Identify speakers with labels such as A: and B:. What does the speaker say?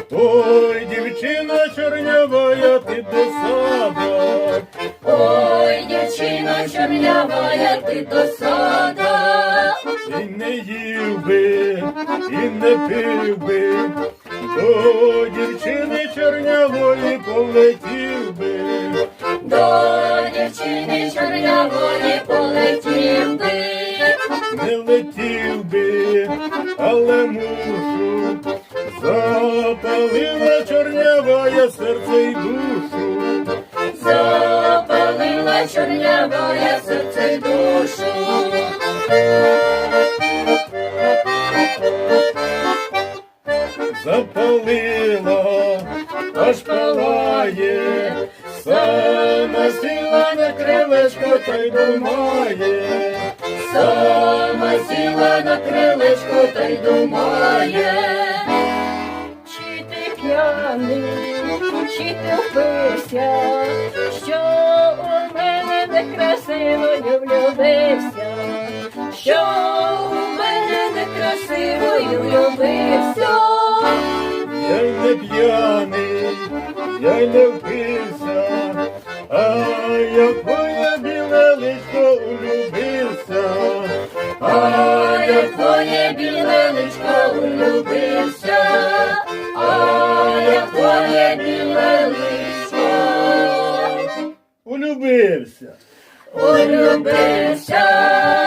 A: Ой, дівчина чорнявая, ти досада.
B: Ой, дівчино чорнявая, ти досада.
A: І не їв би, і не пив би, до дівчини чорнявої полетів би.
B: До дівчини чорнявої полетів би.
A: Не летів би, але мушу, запалила чорнявая серце й душу.
B: Запалила чорнявая серце й душу.
A: Запалила, аж палає, сама сіла на крилечко та й думає.
B: Сама сіла на крилечко та й думає. Чи ти п'яний, чи ти впився, що у мене некрасивою влюбився, що у мене некрасивою влюбився.
A: Я й не п'яний, я й не впився, а я в твоє біле личко улюбився.
B: А я в твоє біле личко улюбився, а я в твоє біле личко
A: Улюбився.
B: улюбився.